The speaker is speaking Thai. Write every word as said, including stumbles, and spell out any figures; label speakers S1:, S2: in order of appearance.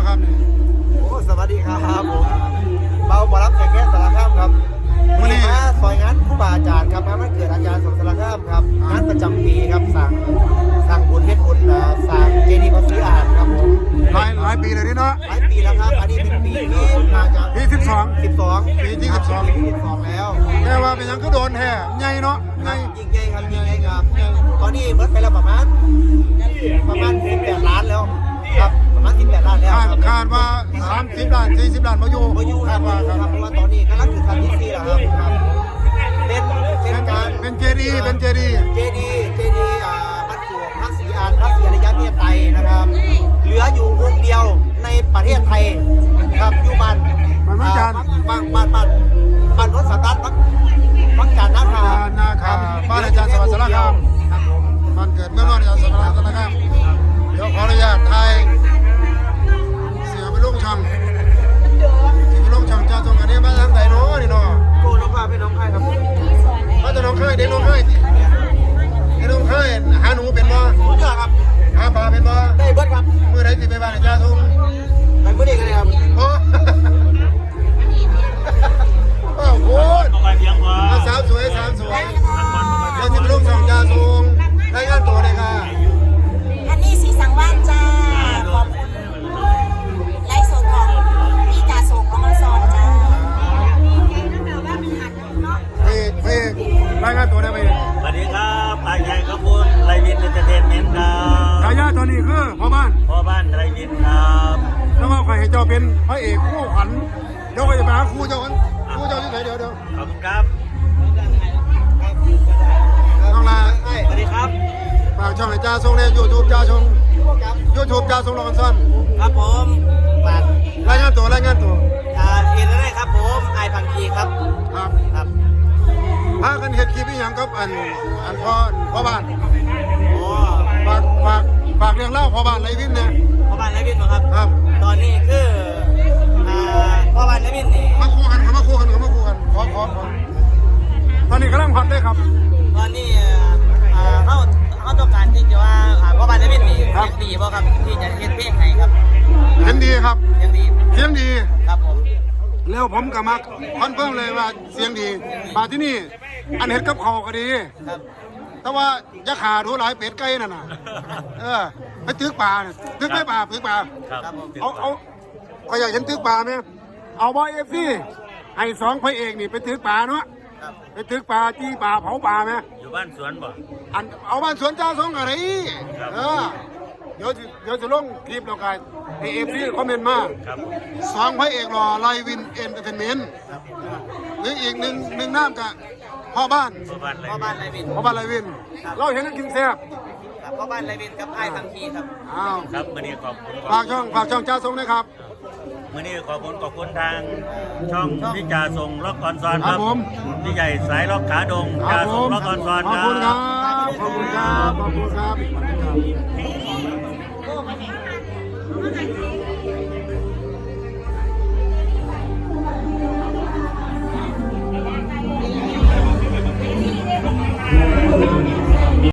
S1: ครับนี่
S2: โอ้สวัสดีครับผมเบาบอรับแขกแก่สารคามครับวันนี้มาซอยงานครูบาอาจารย์ครับงานวันเกิดอาจารย์สมสารคามครับงานประจำปีครับสั่งสั่งบุญเพชรบุญสั่งเจดีย์พระศรีอานครับผม
S1: หลายหลายปีเลยนี่เนาะ
S2: หลายปีแล้วครับอันนี้เป็นปีที่น่าจะ
S1: ปีสิบสอง
S2: สิบสอง
S1: ปีที่สิบสอง
S2: ปีสิบสองแล้ว
S1: แต่ว่าเป็นยังก็โดนแท้ใหญ่เนาะใหญ่
S2: ยิ่งใหญ่ครับยิ่งใหญ่ครับตอนนี้เบิดไปแล้วประมาณประมาณสิบแปดล้านแล้วครับประมาณสิบแปดล้านแล้ว
S1: คาดว่าสามสิบล้านสี่สิบล้านมาอยู่
S2: มาอยู่ครับเพราะว่าตอนนี้กำลังถึงขั้นที่สี่แล้วครับเป็นเป็นการ
S1: เป็นเจดีย์เป็นเจดีย์
S2: เจดีย์เจดีย์อ่าบรรจุพระศรีอานพระศรีอริยเมตไตรนะครับเหลืออยู่องค์เดียวในประเทศไทยครับอยู่บ้าน
S1: บ้านบ้าน
S2: บ้านบ้านบ้านบ้านรถสตาร์ทบักบักจานนาคา
S1: นาคาบ้านอาจารย์สวัสดิ์สารคามบ้านเกิดเมื่อวันอาจารย์สวัสดิ์สารคามเดี๋ยวขออนุญาตไทยเสียไปลงช่างที่ไปลงช่างจ้าตรงอันนี้มาทางไหนเนาะนี่เนาะ
S2: โกน้องพาเป็นน้องไข่ครับ
S1: มาจากน้องไข่เด็กน้องไข่เด็กน้องไข่หาหนูเป็นบ่
S2: เจ้าครับ
S1: หาปลาเป็นบ่
S2: ได้เบิดครับ
S1: เมื่อไรสิไปบ้านอาจารย์ทรง
S2: กันเมื่อเด็กเลยครับ
S1: โอ้โหสาวสวยสาวสวยเดี๋ยวจะไปลงช่างจ้าทรงรายงานตัวเลยค่ะ
S3: อันนี้สีสังวานจ้าขอบคุณไลฟ์สดของพี่จ่าส่งน้องมาสอนจ้า
S1: เพ่เพ่รายงานตัวได้ไหม
S4: สวัสดีครับปายใหญ่ขบุญไรวินเอนเตอร์เทนเมนต์ครับ
S1: ฉายาตัวนี้คือพ่อบ้าน
S4: พ่อบ้านไรวินครับ
S1: แล้วก็ใครให้เจ้าเป็นพระเอกคู่ขวัญเดี๋ยวก็จะไปหาครูเจ้ากันครูเจ้าที่ไหนเดี๋ยวเดี๋ยว
S4: ขอบคุณครับ
S1: น้องลา
S2: สวัสดีครับ
S1: ฝากช่องให้จ้าทรงในยูทูบจ้าทรงยูทูบจ้าทรงรอนสั้น
S2: ครับผมฝาก
S1: รายงานตัวรายงานตัว
S2: อ่าเห็นได้ครับผมไอพังคีครับ
S1: ครับ
S2: ครับ
S1: พากันเห็ดคลิปอีหยังกับอันอันพ่อพ่อบ้าน
S2: โอ้
S1: ฝากฝากฝากเรื่องเล่าพ่อบ้านไรวินเนี่ย
S2: พ่อบ้านไรวินเหรอครับ
S1: ครับ
S2: ตอนนี้คืออ่าพ่อบ้านไรวินนี่
S1: มาคู่กันมาคู่กันมาคู่กันขอขอขอตอนนี้กำลังพัดเลยครับ
S2: ตอนนี้อ่าเขาเขาต้องการที่จะว่าพ่อบ้านไรวินนี่เสียงดีป่ะครับที่จะเฮ็ดเพลงให้ครับ
S1: เสียงดีครับ
S2: เสียงดี
S1: เสียงดี
S2: ครับผม
S1: แล้วผมกับมาคอนเฟิร์มเลยว่าเสียงดีมาที่นี่อันเห็ดกับเขาก็ดี
S2: ครับ
S1: แต่ว่าจะขาดูหลายเป็ดไก่นั่นน่ะเออไปตึกป่าตึกไม่ป่าตึกป่าเอาเอาก็อยากเห็นตึกป่าไหมเอาบอยเอฟซีให้สองพระเอกนี่ไปตึกป่าเนาะไปตึกป่าจี้ป่าเผาป่าไหม
S4: อยู่บ้านสวนบ่
S1: อันเอาบ้านสวนเจ้าสองอะไรเออเดี๋ยวเดี๋ยวจะลงคลิปเรากันในเอฟซีคอมเมนต์มาสองพระเอกรอไลวินเอนเตอร์เทนเมนต์หรืออีกหนึ่งหนึ่งน้ำกับพ่อบ้าน
S2: พ่อบ้านไรวิน
S1: พ่อบ้านไรวินเราเห็นนักกินแซ่บ
S2: พ่อบ้านไรวินกับไอ้ทังคีครับ
S1: อ้าว
S4: ครับมื่อนี้ขอบคุณ
S1: ฝากช่องฝากช่องจ้าทรงนะครับ
S4: มื่อนี้ขอบคุณขอบคุณทางช่องพี่จ่าทรงล็อกออนซอนครับพี่ใหญ่สายล็อกขาดงจ่าทรงล็อกออนซอน
S1: ขอบคุณครับขอบคุณครับขอบคุณครับ